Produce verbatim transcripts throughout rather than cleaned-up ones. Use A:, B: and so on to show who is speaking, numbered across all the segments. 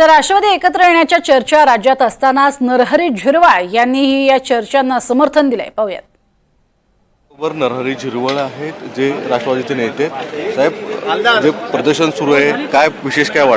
A: तर राष्ट्रवादी एकत्र येण्याच्या चर्चा राज्यात असतानाच नरहरी झिरवाळ यांनीही या चर्चांना समर्थन दिलंय. पाहूयात.
B: वर नरहरी झिरवाळ आहेत जे राष्ट्रवादीचे नेते. साहेब, जे प्रदर्शन सुरू आहे, काय विशेष काय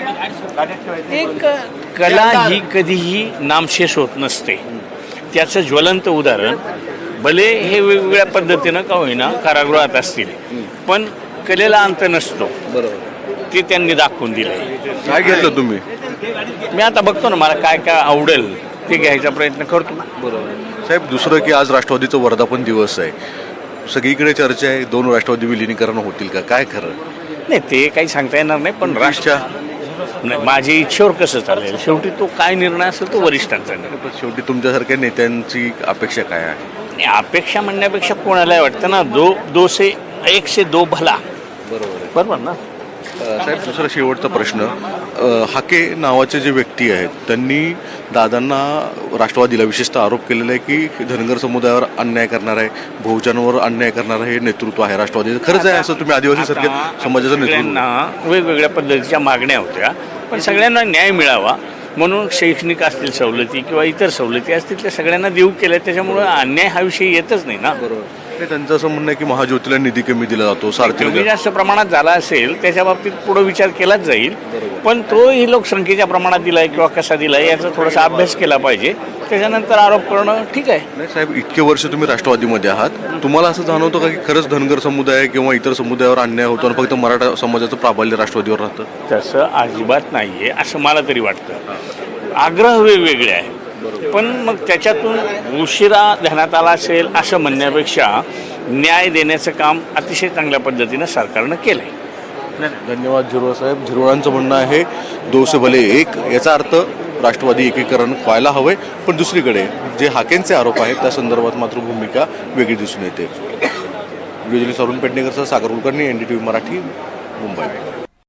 B: वाटतं?
C: एक कला ही कधीही नामशेष होत नसते. त्याचं ज्वलंत उदाहरण, भले हे वेगवेगळ्या पद्धतीनं का होईना कारागृहात असतील, पण कलेला अंत नसतो.
B: बरोबर,
C: ते त्यांनी दाखवून दिलंय.
B: काय घेतलं तुम्ही?
C: मी आता बघतो ना, मला काय काय आवडेल ते घ्यायचा प्रयत्न करतो.
B: बरोबर साहेब, दुसरं की आज राष्ट्रवादीचं वर्धापन दिवस आहे, सगळीकडे चर्चा आहे दोन राष्ट्रवादी विलिनीकरण होतील का, काय खरं?
C: नाही, ते काही सांगता येणार नाही, पण राष्ट्र नाही, माझ्या इच्छेवर कसं चालेल, शेवटी तो काय निर्णय असेल तो वरिष्ठांचा निर्णय.
B: पण शेवटी तुमच्यासारख्या नेत्यांची अपेक्षा काय आहे?
C: आणि अपेक्षा म्हणण्यापेक्षा कोणालाही वाटतं ना, दो दो से एक से दो भला.
B: बरोबर
C: बरोबर ना.
B: साहेब, दुसरा शेवटचा प्रश्न, हाके नावाचे जे व्यक्ती आहेत त्यांनी दादांना राष्ट्रवादीला विशेषतः आरोप केलेला आहे की धनगर समुदायावर अन्याय करणार आहे, बहुजनावर अन्याय करणार हे नेतृत्व आहे राष्ट्रवादीचं. खरंच आहे असं? तुम्ही आदिवासी सारख्या समाजाचं नेतृत्व.
C: सगळ्यांना वेगवेगळ्या पद्धतीच्या मागण्या होत्या, पण सगळ्यांना न्याय मिळावा म्हणून शैक्षणिक असतील सवलती किंवा इतर सवलती असतील त्या सगळ्यांना देऊ केल्या, त्याच्यामुळे अन्याय हा विषय येतच नाही ना.
B: बरोबर. त्यांचं असं म्हणणं आहे की महाज्योतीला निधी कमी दिला जातो, सारथीला
C: कमी जास्त प्रमाणात झाला असेल त्याच्या बाबतीत पुढे विचार केलाच जाईल, पण तोही लोकसंख्येच्या प्रमाणात दिलाय किंवा कसा दिलाय याचा थोडासा अभ्यास केला पाहिजे, त्याच्यानंतर आरोप करणं ठीक आहे.
B: नाही साहेब, इतके वर्ष तुम्ही राष्ट्रवादीमध्ये आहात, तुम्हाला असं जाणवतं का की खरंच धनगर समुदाय किंवा इतर समुदायावर अन्याय होतो आणि फक्त मराठा समाजाचं प्राबल्य राष्ट्रवादीवर राहतं?
C: तसं अजिबात नाही आहे असं मला तरी वाटतं. आग्रह वेगवेगळे आहेत, पण मग त्याच्यातून उशिरा ध्यानात आला असेल असं म्हणण्यापेक्षा न्याय देण्याचं काम अतिशय चांगल्या पद्धतीनं सरकारनं केलं आहे.
B: धन्यवाद झिरवाळ साहेब. झिरवाळांचं म्हणणं आहे दो से भले एक, याचा अर्थ राष्ट्रवादी एकीकरण व्हायला हवंय, पण दुसरीकडे जे हाकेंचे आरोप आहेत त्या संदर्भात मात्र भूमिका वेगळी दिसून येते. व्हिडिओ जर्नलिस्ट अरुण पेडणेकरसह Sagar Kulkarni, N D T V Marathi, Mumbai.